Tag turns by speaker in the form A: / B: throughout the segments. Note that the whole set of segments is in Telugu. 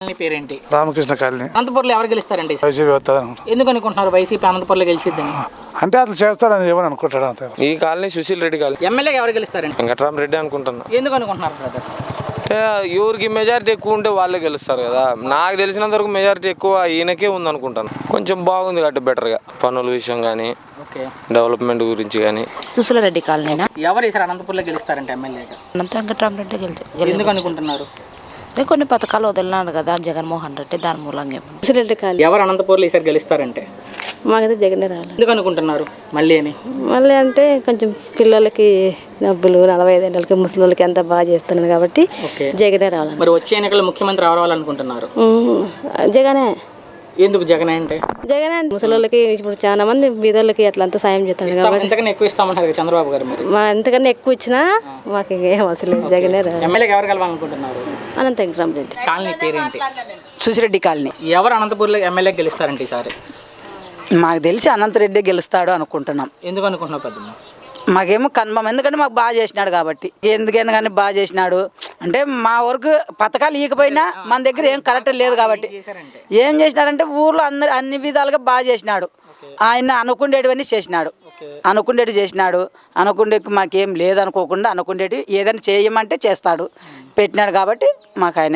A: మీ పేరేంటి?
B: రామకృష్ణ కాలనీ.
A: అనంతపురంలో ఎవరు గెలుస్తారండి?
B: వైసీపీ వస్తుంది.
A: ఎందుకు అనుకుంటున్నారు వైసీపీ అనంతపురంలో గెలిచిద్దని?
B: అంటే అతను చేస్తాడని ఏమని అనుకుంటాడు అంతే.
C: ఈ కాలనీ సుశీల్ రెడ్డి కాలనీ.
A: ఎమ్మెల్యేగా ఎవరు గెలుస్తారండి?
C: వెంకటరామరెడ్డి అనుకుంటున్నా.
A: ఎందుకు అనుకుంటున్నారు బ్రదర్?
C: అంటే ఎవరికి మెజారిటీ ఎక్కువ ఉంటే వాళ్ళే గెలుస్తారు కదా. నాకు తెలిసినంత వరకు మెజారిటీ ఎక్కువ ఈయనకే ఉంది అనుకుంటాను. కొంచెం బాగుంది కాబట్టి బెటర్గా పనుల విషయం కానీ డెవలప్మెంట్ గురించి కానీ.
D: సుశీల్ రెడ్డి కాలనీ
A: ఎవరు ఈసారి అనంతపురంలో గెలుస్తారంటే ఎమ్మెల్యేగా?
D: వెంకటరామరెడ్డి
A: ఎందుకు అనుకుంటున్నారు?
D: కొన్ని పథకాలు వదిలినాడు కదా జగన్మోహన్ రెడ్డి, దాని మూలంగా.
E: సుశీల్ కాలనీ.
A: ఎవరు అనంతపురంలో ఈసారి గెలుస్తారంటే?
E: మాకైతే జగనే రావాలి.
A: ఎందుకు అనుకుంటున్నారు
E: మళ్ళీ అంటే కొంచెం పిల్లలకి డబ్బులు 45 ఏళ్ళకి ముసలి వాళ్ళకి ఎంత బాగా చేస్తున్నాను కాబట్టి జగనే రావాలి.
A: మరి వచ్చే ఎన్నికల్లో ముఖ్యమంత్రి రావాలనుకుంటున్నారు?
E: జగనే.
A: ఎందుకు జగనే అంటే?
E: జగనే ముసలి వాళ్ళకి ఇప్పుడు చాలా మంది బీదోళ్ళకి అట్లా అంతా సాయం చేస్తున్నాడు కాబట్టి
A: ఎంతకన్నా ఎక్కువ ఇస్తామంటారు చంద్రబాబు గారు. మరి
E: మా ఎంతకన్నా ఎక్కువ ఇచ్చినా మాకు ఏం అవసరం లేదు, జగనే రావాలి.
A: ఎమ్మెల్యేగా ఎవరు కలవాలనుకుంటున్నారు?
E: అనంత వెంకటరామరెడ్డి.
A: కాలనీ పేరేంటి?
F: సుశిరెడ్డి కాలనీ.
A: ఎవరు అనంతపురంలో ఎమ్మెల్యే గెలుస్తారంటే ఈసారి?
F: మాకు తెలిసి అనంతరెడ్డి గెలుస్తాడు అనుకుంటున్నాం.
A: ఎందుకు అనుకుంటున్నావు పెద్దమ్మ?
F: మాకేమో కన్ఫర్మ్, ఎందుకంటే మాకు బాగా చేసినాడు కాబట్టి. ఎందుకైనా కానీ బాగా చేసినాడు అంటే మా వరకు పథకాలు ఇవ్వకపోయినా మన దగ్గర ఏం కరెక్ట్ లేదు కాబట్టి ఏం చేసినాడంటే ఊర్లో అన్ని విధాలుగా బాగా చేసినాడు. ఆయన అనుకుండేటివన్నీ చేసినాడు, అనుకుండేటి చేసినాడు. అనుకుండేకి మాకేం లేదనుకోకుండా అనుకుండేటి ఏదైనా చేయమంటే చేస్తాడు, పెట్టినాడు కాబట్టి మాకు ఆయన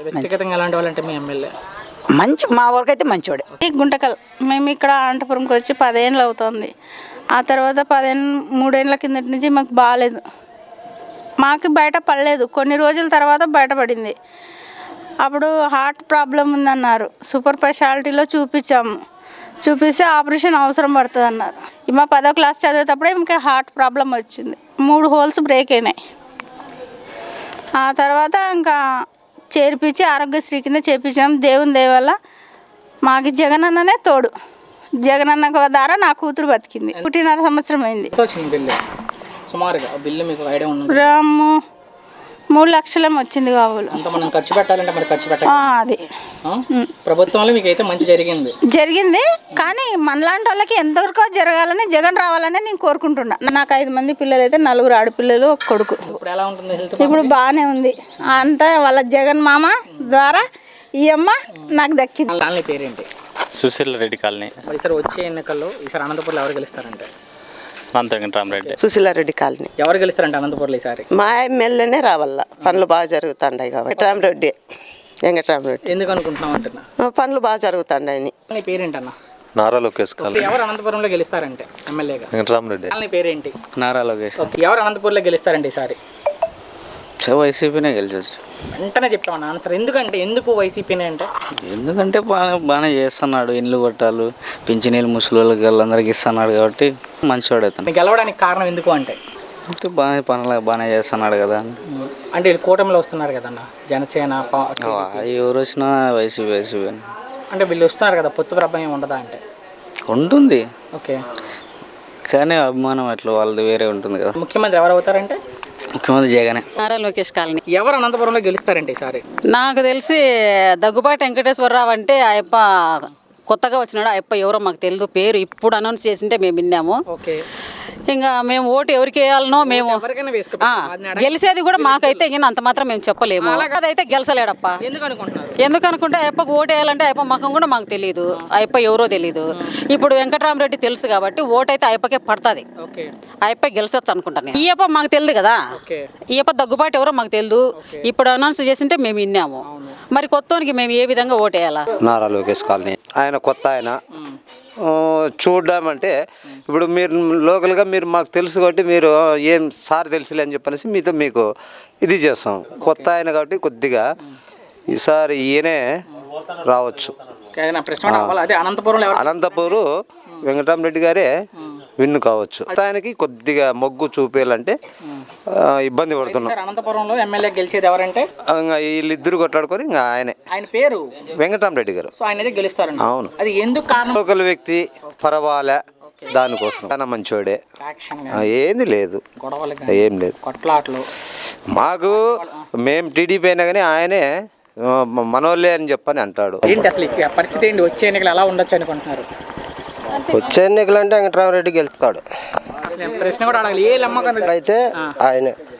F: మంచి, మా వరకు అయితే మంచివాడే.
G: గుంటకల్ మేము ఇక్కడ అనంతపురంకి వచ్చి 10 ఏళ్ళు అవుతుంది. ఆ తర్వాత 3 ఏళ్ళ కిందటి నుంచి మాకు బాగాలేదు, మాకు బయట పడలేదు. కొన్ని రోజుల తర్వాత బయటపడింది. అప్పుడు హార్ట్ ప్రాబ్లం ఉందన్నారు, సూపర్ స్పెషాలిటీలో చూపించాము. చూపిస్తే ఆపరేషన్ అవసరం పడుతుంది అన్నారు. మా 10వ క్లాస్ చదివేటప్పుడే ఇంకా హార్ట్ ప్రాబ్లం వచ్చింది, 3 హోల్స్ బ్రేక్ అయినాయి. ఆ తర్వాత ఇంకా చేర్పించి ఆరోగ్యశ్రీ కింద చేర్పించాము. దేవుని దయ వల్ల మాకు జగనన్ననే తోడు. జగనన్న ద్వారా నా కూతురు బతికింది. 1.5 సంవత్సరం అయింది.
A: సుమారుగా బిల్లు మీకు ఐడియా ఉంది?
G: 3 లక్షలు వచ్చింది కావాలి.
A: మనం ఖర్చు పెట్టాలంటే మరి ఖర్చు పెట్టాలి.
G: అది
A: ప్రభుత్వంలో మీకు అయితే మంచి జరిగింది
G: కానీ మనలాంటి వాళ్ళకి ఎంతవరకు జరగాలని, జగన్ రావాలని నేను కోరుకుంటున్నా. నాకు 5 మంది పిల్లలు అయితే 4 ఆడపిల్లలు, 1 కొడుకు.
A: ఇప్పుడు ఎలా ఉంటుంది?
G: ఇప్పుడు బాగానే ఉంది. అంతా వాళ్ళ జగన్ మామ ద్వారా ఈ అమ్మ నాకు దక్కింది.
A: కాలనీ పేరేంటి?
H: సుశీల్ రెడ్డి కాలనీ.
A: ఈసారి వచ్చే ఎన్నికల్లో ఈసారి అనంతపురంలో ఎవరు గెలుస్తారంటే?
H: అనంత వెంకటరామరెడ్డి.
I: సుశీల్ రెడ్డి కాలనీ.
A: ఎవరు గెలుస్తారంటే అనంతపురంలో ఈసారి?
I: మా ఎమ్మెల్యేనే రావాల, పనులు బాగా జరుగుతుంటాయి కాబట్టి. వెంకటరామరెడ్డి.
A: ఎందుకు అనుకుంటున్నాం అంటున్నా?
I: పనులు బాగా జరుగుతుంటాయని.
A: పేరేంటన్నా?
H: నారా లోకేష్.
A: ఎవరు అనంతపురంలో గెలుస్తారంటే ఎమ్మెల్యేగా?
H: వెంకటరామరెడ్డి.
A: కాలనీ పేరేంటి?
H: నారా లోకేష్.
A: ఎవరు అనంతపురంలో గెలుస్తారంటే ఈసారి?
H: వైసీపీనే గెలిచొచ్చు.
A: వెంటనే చెప్తామన్నా ఆన్సర్. ఎందుకు వైసీపీనే అంటే?
H: ఎందుకంటే బాగానే చేస్తున్నాడు, ఇండ్లు పట్టాలు, పింఛనీళ్ళు ముసలి వాళ్ళందరికీ ఇస్తున్నాడు కాబట్టి మంచివాడు అవుతాడు.
A: మీకు గెలవడానికి కారణం ఎందుకు అంటే?
H: బాగానే పనులు బాగానే చేస్తున్నాడు కదా.
A: అంటే కూటమిలో వస్తున్నారు కదన్న, జనసేన
H: ఎవరు వచ్చినా వైసీపీ.
A: అంటే వీళ్ళు వస్తున్నారు కదా, పొత్తు ప్రభావం ఉండదా అంటే?
H: ఉంటుంది.
A: ఓకే,
H: కానీ అభిమానం అట్లా వాళ్ళది వేరే ఉంటుంది కదా.
A: ముఖ్యమంత్రి ఎవరు అవుతారంటే?
H: ముఖ్యమంత్రి జగనే.
D: నారా లోకేష్ కాలనీ.
A: ఎవరు అనంతపురంలో గెలుస్తారంటే ఈసారి?
D: నాకు తెలిసి దగ్గుబాటి వెంకటేశ్వరరావు అంటే ఆయప్ప కొత్తగా వచ్చినాడు. ఆయప్ప ఎవరో మాకు తెలియదు, పేరు ఇప్పుడు అనౌన్స్ చేసింటే మేము విన్నాము.
A: ఓకే,
D: ఇంకా మేము ఓటు ఎవరికి వేయాలనో మేము గెలిచేది కూడా మాకైతే ఇంకా అంత మాత్రం మేము చెప్పలేము. అదైతే గెలిచలేడప్ప. ఎందుకు అనుకుంటే ఆయప్పకు ఓటు వేయాలంటే ఆయప్ప మకం కూడా మాకు తెలియదు, ఆయప్ప ఎవరో తెలియదు. ఇప్పుడు వెంకటరామరెడ్డి తెలుసు కాబట్టి ఓటు అయితే ఆయప్పకే పడుతుంది, ఆయప్ప గెలిచొచ్చు అనుకుంటాను. ఈ అప్ప మాకు తెలియదు కదా, ఈ అప్ప దగ్గుబాటు ఎవరో మాకు తెలియదు. ఇప్పుడు అనౌన్స్ చేసింటే మేము విన్నాము. మరి కొత్తోనికి మేము ఏ విధంగా ఓటు వేయాలా?
J: నారా లోకేష్ కాలనీ. ఆయన కొత్త ఆయన చూడడం అంటే ఇప్పుడు మీరు లోకల్గా మీరు మాకు తెలుసు కాబట్టి మీరు ఏం సార్ తెలుసులే అని చెప్పనేసి మీకు ఇది చేస్తాం. కొత్త ఆయన కాబట్టి కొద్దిగా ఈసారి ఈయనే రావచ్చు. అనంతపురం వెంకటరామరెడ్డి గారే విన్ను కావచ్చు. ఆయనకి కొద్దిగా మొగ్గు చూపేయాలంటే ఇబ్బంది పడుతున్నాం.
A: అనంతపురంలో ఎమ్మెల్యే గెలిచేది ఎవరంటే?
J: వీళ్ళిద్దరు కొట్లాడుకొని ఇంకా
A: ఆయన పేరు
J: వెంకటరామరెడ్డి గారు.
A: సో ఆయన గెలుస్తారు. అవును. అది ఎందుకు కారణం?
J: లోకల్ వ్యక్తి పర్వాలే, దానికోసం చాలా మంచోడే, ఏంది లేదు, ఏం లేదు
A: కొట్లాట్లు.
J: మాకు మేము టీడీపీ అయినా కానీ ఆయనే మనోళ్ళే అని చెప్పని అంటాడు.
A: ఏంటి అసలు పరిస్థితి ఏంటి? వచ్చే ఎన్నికలు ఎలా ఉండొచ్చు అనుకుంటున్నారు?
I: వచ్చే ఎన్నికలు అంటే వెంకటరామరెడ్డి గెలుస్తాడు.
A: ప్రశ్న కూడా అడగాలి. ఏ నమ్మకం
I: అయితే ఆయనే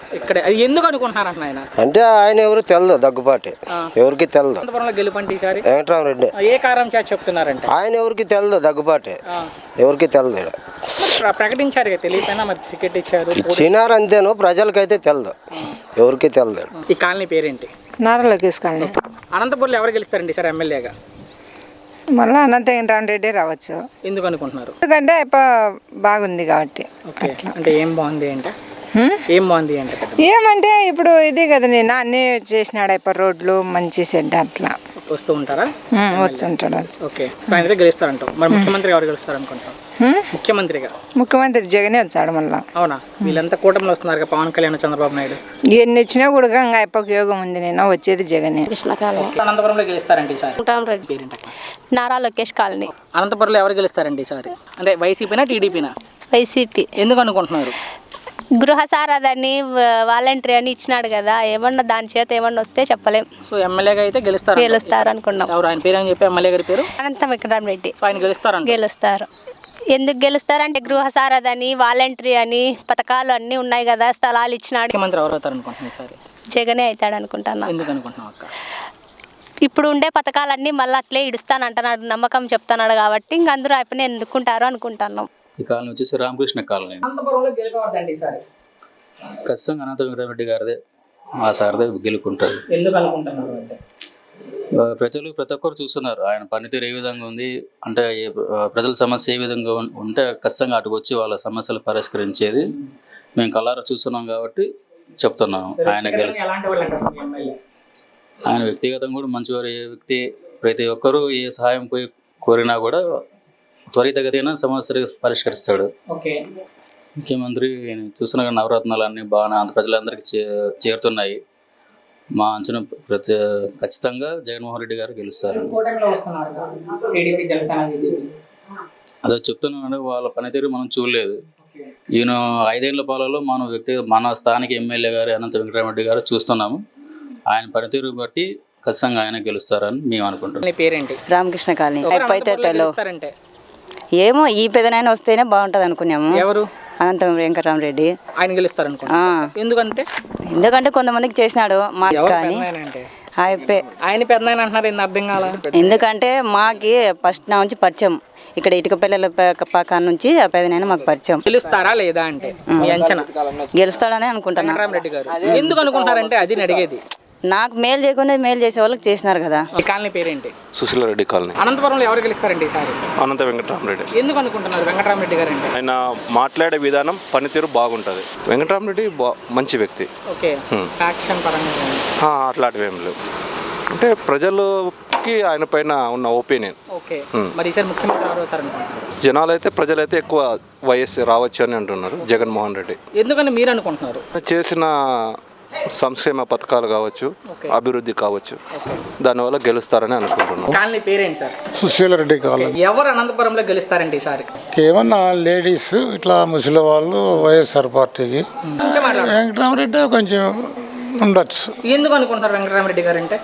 A: ఇక్కడ ఎందుకు అనుకుంటున్నారంట ఆయన?
K: అంటే ఆయన ఎవరు తెలదు, దగ్గుబాటి ఎవరికి తెలదు.
A: అనంతపురంలో గెలుపంటే ఈసారి
K: వెంకటరామరెడ్డి.
A: ఏ కారణం చేత చెప్తున్నారంటే?
K: ఆయన ఎవరికి తెలదు, దగ్గుబాటి ఎవరికి తెలదు.
A: ప్రకటించారు తెలియపోయినా మరి టికెట్ ఇచ్చారు,
K: ఇచ్చినారు అంతేను, ప్రజలకైతే తెలదు, ఎవరికి తెలదు.
A: ఈ కాలనీ పేరేంటి?
L: నారా లోకేష్ కాలనీ.
A: అనంతపురంలో ఎవరు గెలుస్తారండి సార్ ఎమ్మెల్యేగా?
L: మళ్ళీ అనంత వెంకటరామరెడ్డి రావచ్చు.
A: ఎందుకు అనుకుంటున్నారు?
L: ఎందుకంటే బాగుంది కాబట్టి.
A: అంటే ఏం బాగుంది అంటే ఏం బాగుంది అంటే
L: ఏమంటే ఇప్పుడు ఇది కదా, నేను అన్నీ చేసినాడు రోడ్లు మంచి సెడ్ అట్లా
A: వస్తూ ఉంటారా?
L: వచ్చుంటాడు.
A: ఓకే, సో ఆయన గెలుస్తారంటావు. మరి ముఖ్యమంత్రి ఎవరు గెలుస్తారు అనుకుంటాం? ముఖ్యమంత్రి
L: జగనే వచ్చాడు మళ్ళా.
A: అవునా? వీళ్ళంతా కూటమిలో వస్తున్నారు, పవన్ కళ్యాణ్, చంద్రబాబు నాయుడు.
L: ఎన్ని వచ్చినా కూడా ఇంకా అయిపోక యోగం ఉంది. నేను వచ్చేది జగనే.
A: అనంతపురంలో గెలుస్తారండి ఈసారి?
G: నారా లోకేష్ కాలనీ.
A: అనంతపురంలో ఎవరు గెలుస్తారండి ఈసారి? అంటే వైసీపీనా టీడీపీనా?
G: వైసీపీ.
A: ఎందుకు అనుకుంటున్నారు?
G: గృహ సారథి వాలంటరీ అని ఇచ్చినాడు కదా, ఏమన్నా దాని చేత ఏమన్నా వస్తే చెప్పలేం.
A: సో ఎమ్మెల్యేగా అయితే గెలుస్తారు
G: అనుకున్నాం.
A: ఎవరు ఆయన పేరు అని చెప్పి ఎమ్మెల్యే గారి పేరు?
G: అనంత వెంకటరామరెడ్డి.
A: ఆయన
G: గెలుస్తారు. ఎందుకు గెలుస్తారంటే గృహ సారథి వాలంటరీ అని పథకాలు అన్నీ ఉన్నాయి కదా, స్థలాలు ఇచ్చినాడు.
A: ముఖ్యమంత్రి ఎవరు అవుతారు అనుకుంటున్నారు సార్?
G: జగనే అవుతాడు అనుకుంటున్నా.
A: ఎందుకు అనుకుంటున్నావు అక్క?
G: ఇప్పుడు ఉండే పథకాలన్నీ మళ్ళీ అట్లే ఇడుస్తానంటున్నాడు, నమ్మకం చెప్తున్నాడు కాబట్టి ఇంక అందరూ అయిపోయి ఎందుకుంటారు అనుకుంటున్నాం.
H: ఈ కాలనీ వచ్చేసి రామకృష్ణ కాలనీ.
A: అనంతపురంలో గెలుపవద్దండి ఈసారి?
H: ఖచ్చితంగా అనంత వెంకటరెడ్డి గారిదే, మా సార్దే గెలుకుంటారు.
A: ఎందుకు అనుకుంటున్నారు అంటే?
H: ప్రజలు ప్రతి ఒక్కరు చూస్తున్నారు ఆయన పనితీరు ఏ విధంగా ఉంది, అంటే ప్రజల సమస్య ఏ విధంగా ఉంటే ఖచ్చితంగా అటుకు వచ్చి వాళ్ళ సమస్యలు పరిష్కరించేది మేము కళ్ళారా చూస్తున్నాం కాబట్టి చెప్తున్నాము. ఆయన గెలిచి ఆయన వ్యక్తిగతంగా కూడా మంచివారు. ఏ వ్యక్తి ప్రతి ఒక్కరూ ఏ సహాయం పోయి కోరినా కూడా త్వరితగతిన సమస్యలు పరిష్కరిస్తాడు. ముఖ్యమంత్రి చూస్తున్న నవరత్నాలు అన్నీ బాగా ప్రజలందరికీ చేరుతున్నాయి. మా అంచనా ఖచ్చితంగా జగన్మోహన్ రెడ్డి గారు గెలుస్తారు. అదే చెప్తున్నాను, వాళ్ళ పనితీరు మనం చూడలేదు. ఈయన 5 ఏళ్ల పాలలో మన స్థానిక ఎమ్మెల్యే గారు అనంత వెంకటరామరెడ్డి గారు చూస్తున్నాము. ఆయన పనితీరు బట్టి ఖచ్చితంగా ఆయన గెలుస్తారని మేము అనుకుంటున్నాం.
A: పేరేంటి?
F: రామకృష్ణ కాలనీ. అయిపోతే ఏమో ఈ పెదనైనా వస్తేనే బాగుంటుంది అనుకున్నాము.
A: ఎవరు?
F: అనంత వెంకటరామరెడ్డి.
A: ఆయన గెలుస్తారు అనుకుంటా.
F: ఎందుకంటే కొంతమందికి చేసినాడు మాకు, కానీ
A: ఆయన పెద్ద అంటున్నారు, అర్థం కాల.
F: ఎందుకంటే మాకి ఫస్ట్ నా నుంచి పరిచయం, ఇక్కడ ఇటుక పిల్లల పక్క నుంచి ఆ పెదనైనా మాకు పరిచయం.
A: గెలుస్తారా లేదా అంటే మీ అంచనా?
F: గెలుస్తాడని అనుకుంటున్నా.
A: వెంకటరామరెడ్డి గారు ఎందుకు అనుకుంటారంటే అది అడిగేది.
F: నాకు మేలు చేయకుండా మేలు చేసే వాళ్ళకి చేసినారు కదా.
A: ఈ కాలనీ పేరేంటి?
M: సుశీలారెడ్డి కాలనీ.
A: అనంతపురంలో ఎవరు గెలుస్తారండి ఈసారి?
M: అనంత వెంకటరామరెడ్డి.
A: ఎందుకు అనుకుంటున్నారు వెంకటరామరెడ్డి గారు అంటే?
M: ఆయన మాట్లాడే విధానం, పనితీరు బాగుంటుంది. వెంకటరామరెడ్డి మంచి వ్యక్తి.
A: ఓకే, ఫ్యాక్షన్ పరంగా
M: అట్లాంటివి ఏం లేవు. అంటే ప్రజలకి ఆయన పైన ఉన్న ఒపీనియన్.
A: ఓకే, మరి ఈసారి ముఖ్యమంత్రి ఎవరు అవుతారు అనుకుంటున్నారు?
M: జనాలైతే ప్రజలైతే ఎక్కువ వైఎస్ రావచ్చు అని అంటున్నారు, జగన్మోహన్ రెడ్డి.
A: ఎందుకని మీరు అనుకుంటున్నారు?
M: చేసిన సంక్షేమ పథకాలు కావచ్చు, అభివృద్ధి కావచ్చు, దానివల్ల గెలుస్తారని అనుకుంటున్నాను.
A: కాలనీ పేరేంటి సార్?
B: సుశీలారెడ్డి కాలనీ.
A: ఎవరు అనంతపురంలో గెలుస్తారండి ఈసారి?
B: ఏమన్నా లేడీస్ ఇట్లా ముసలి వాళ్ళు వైఎస్ఆర్ పార్టీకి. వెంకటరామరెడ్డి కొంచెం ఉండొచ్చు.
A: ఎందుకు అనుకుంటారు వెంకటరామరెడ్డి గారు అంటే?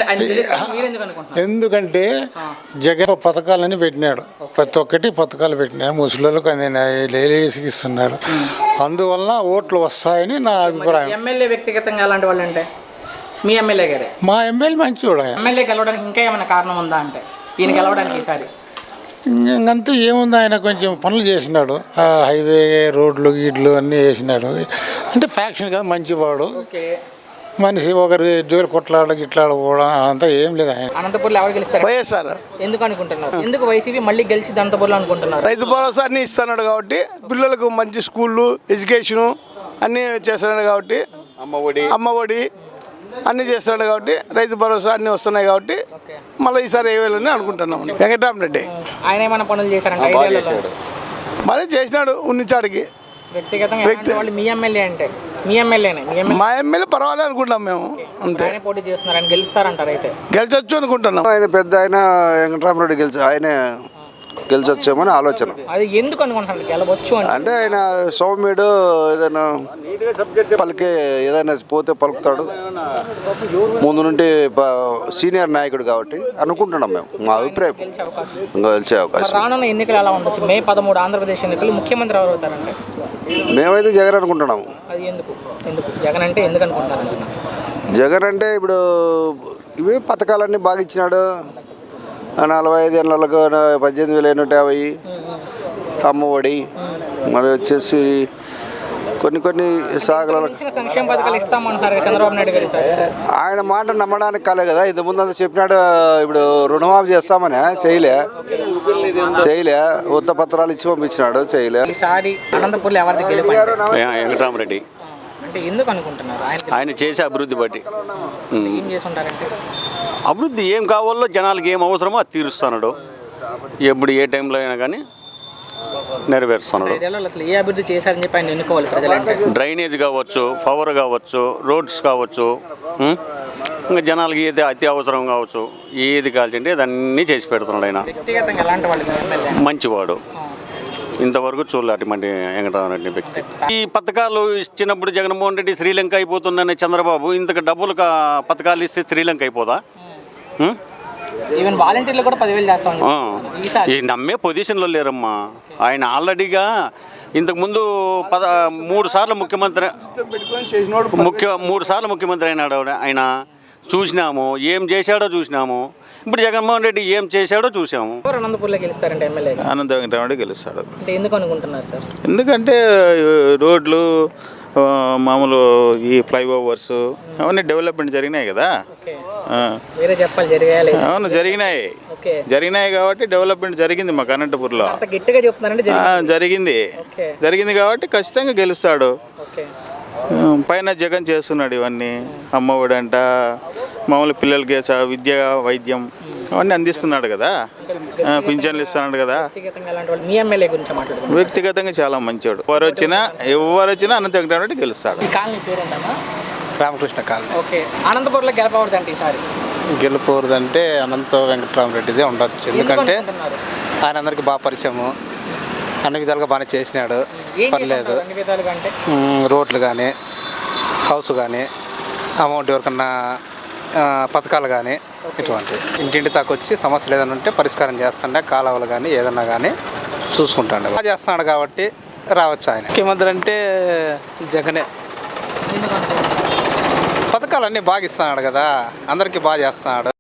B: ఎందుకంటే జగన్ పథకాలని పెట్టినాడు, ప్రతి ఒక్కటి పథకాలు పెట్టినాడు, ముసలిళ్ళకి లేడీస్కి ఇస్తున్నాడు, అందువల్ల ఓట్లు వస్తాయని నా అభిప్రాయం.
A: ఎమ్మెల్యే వ్యక్తిగతంగా అలాంటి వాళ్ళు అంటే మీ ఎమ్మెల్యే గారే?
B: మా ఎమ్మెల్యే మంచివాడు. ఆయన
A: ఎమ్మెల్యే గెలవడానికి ఇంకా ఏమైనా కారణం ఉందా అంటే ఈయన గెలవడానికి ఈసారి?
B: ఇంకంతా ఏముంది, ఆయన కొంచెం పనులు చేసినాడు, హైవే రోడ్లు గీడ్లు అన్నీ వేసినాడు. అంటే ఫ్యాక్షన్ కదా, మంచివాడు మనిషి, ఒకరి జోలు గిట్లాడకపోవడం అంతా ఏం లేదు. ఆయన
A: అనంతపురంలో ఎవరు గెలుస్తారు?
N: వైఎస్ఆర్.
A: ఎందుకు అనుకుంటున్నారు? ఎందుకు వైసీపీ మళ్ళీ గెలిచి అనంతపురంలో అనుకుంటున్నారు?
N: రైతు భరోసా అన్ని ఇస్తున్నాడు కాబట్టి, పిల్లలకు మంచి స్కూళ్ళు, ఎడ్యుకేషను అన్నీ చేస్తున్నాడు కాబట్టి, అమ్మఒడి అన్నీ చేస్తున్నాడు కాబట్టి, రైతు భరోసా అన్నీ వస్తున్నాయి కాబట్టి మళ్ళీ ఈసారి వేయాలని అనుకుంటున్నాం. వెంకటరామరెడ్డి
A: ఆయన ఏమైనా పనులు చేశారంటే?
N: మరి చేసినాడు ఉన్నిచాడికి.
A: వ్యక్తిగతంగా మీ ఎమ్మెల్యే అంటే మీ ఎమ్మెల్యేనే?
N: మా ఎమ్మెల్యే పర్వాలేదు అనుకుంటాం మేము, అంతే.
A: పోటీ చేస్తున్నారని గెలుస్తారంటారు? అయితే
N: గెలిచొచ్చు అనుకుంటున్నాం.
J: ఆయన పెద్ద ఆయన వెంకటరామరెడ్డి ఆయనే
N: గెలిచొచ్చామని ఆలోచన.
A: అది ఎందుకు అనుకుంటున్నారు గెలవచ్చు
N: అంటే ఆయన సౌమ్యుడు, ఏదైనా పలికే ఏదైనా పోతే పలుకుతాడు, ముందు నుండి సీనియర్ నాయకుడు కాబట్టి అనుకుంటున్నాం మేము. మా అభిప్రాయం గెలిచే అవకాశం.
A: రానున్న ఎన్నికలు ఎలా ఉండొచ్చు? మే 13 ఆంధ్రప్రదేశ్ ఎన్నికలు, ముఖ్యమంత్రి ఎవరు అవుతారంటే?
N: మేమైతే జగన్ అనుకుంటున్నాము.
A: అది ఎందుకు జగన్ అంటే ఎందుకు అనుకుంటారు?
N: జగన్ అంటే ఇప్పుడు ఇవి పథకాలన్నీ బాగా ఇచ్చినాడు. 45 ఏళ్ళకు 18,150 అమ్మఒడి, మరి వచ్చేసి కొన్ని సాగల
A: సంక్షేమ పథకాలు ఇస్తామంటారు చంద్రబాబు నాయుడు గారు.
N: ఆయన మాట నమ్మడానికి కాలే కదా. ఇంత ముందు అంతా చెప్పినాడు, ఇప్పుడు రుణమాఫీ చేస్తామని చేయలే ఉత్త పత్రాలు ఇచ్చి పంపించినాడు, చేయలే.
A: ఈసారి అనంతపూర్లో ఎవరిది గెలుపు?
O: వెంకటరామరెడ్డి.
A: అంటే ఎందుకు అనుకుంటున్నారు?
O: ఆయన చేసే అభివృద్ధి బట్టి.
A: ఏం చేసి ఉంటారంటే
O: అభివృద్ధి ఏం కావాలో జనాలకి ఏం అవసరమో అది తీరుస్తున్నాడు. ఎప్పుడు ఏ టైంలో అయినా కానీ నెరవేరుస్తున్నాడు.
A: అసలు ఏ అభివృద్ధి చేశారని చెప్పి ఆయన ఎన్నుకోవాలి ప్రజలంటే?
O: డ్రైనేజ్ కావచ్చు, పవర్ కావచ్చు, రోడ్స్ కావచ్చు, ఇంకా జనాలకి ఏది అతి అవసరం కావచ్చు, ఏది కాల్చండి అదన్నీ చేసి పెడుతున్నాడు ఆయన.
A: వ్యక్తిగతంగా ఎలాంటి వాళ్ళు?
O: మంచివాడు. ఇంతవరకు చూడలే అటువంటి వెంకటరామరెడ్డి వ్యక్తి. ఈ పథకాలు ఇచ్చినప్పుడు జగన్మోహన్ రెడ్డి శ్రీలంక అయిపోతుందనే చంద్రబాబు ఇంతకు డబ్బులు పథకాలు ఇస్తే శ్రీలంక అయిపోదా?
A: ఈవెన్ వాలంటీర్లు కూడా 10,000 చేస్తాం.
O: ఈ నమ్మే పొజిషన్లో లేరమ్మా. ఆయన ఆల్రెడీగా ఇంతకుముందు 3 సార్లు ముఖ్యమంత్రి 3 సార్లు ముఖ్యమంత్రి అయినాడు ఆయన. చూసినాము ఏం చేశాడో చూసినాము. ఇప్పుడు జగన్మోహన్ రెడ్డి ఏం చేశాడో చూసాము.
A: అనంతపూర్లో గెలుస్తారంటే ఎమ్మెల్యే
M: అనంత వెంకటరామరెడ్డి గెలుస్తాడు.
A: అంటే ఎందుకు అనుకుంటున్నారు సార్?
M: ఎందుకంటే రోడ్లు, మామూలు ఈ ఫ్లైఓవర్స్ అవన్నీ డెవలప్మెంట్ జరిగినాయి కదా.
A: వేరే చెప్పాలి జరిగాయి.
M: అవును జరిగినాయి కాబట్టి డెవలప్మెంట్ జరిగింది మాకు అనంతపూర్లో.
A: గట్టిగా చెప్తున్నారంటే
M: జరిగింది కాబట్టి ఖచ్చితంగా గెలుస్తాడు. పైన జగన్ చేస్తున్నాడు ఇవన్నీ. అమ్మఒడి అంట, మామూలు పిల్లలకి విద్య, వైద్యం అవన్నీ అందిస్తున్నాడు కదా. పింఛన్లు ఇస్తున్నాడు కదా. వ్యక్తిగతంగా చాలా మంచివాడు. ఎవరు వచ్చినా అనంత వెంకటరామరెడ్డి గెలుస్తాడు.
K: రామకృష్ణ కాలనీ.
A: ఓకే, అనంతపూర్లో గెలపకూడదంటే ఈసారి?
K: గెలుపకూడదంటే అనంత వెంకటరామరెడ్డిదే ఉండొచ్చు. ఎందుకంటే ఆయన అందరికీ బాగా పరిచయము, అన్ని విధాలుగా బాగానే చేసినాడు, పర్లేదు. రోడ్లు కానీ, హౌస్ కానీ, అమౌంట్ ఎవరికన్నా పథకాలు కానీ ఇటువంటి ఇంటింటి దాకా వచ్చి సమస్యలు ఏదైనా ఉంటే పరిష్కారం చేస్తుండే, కాలువలు కానీ ఏదన్నా కానీ చూసుకుంటాడు. బాగా చేస్తున్నాడు కాబట్టి రావచ్చు ఆయన. ముఖ్యమంత్రి అంటే జగనే. పథకాలన్నీ బాగా ఇస్తున్నాడు కదా, అందరికీ బాగా చేస్తున్నాడు.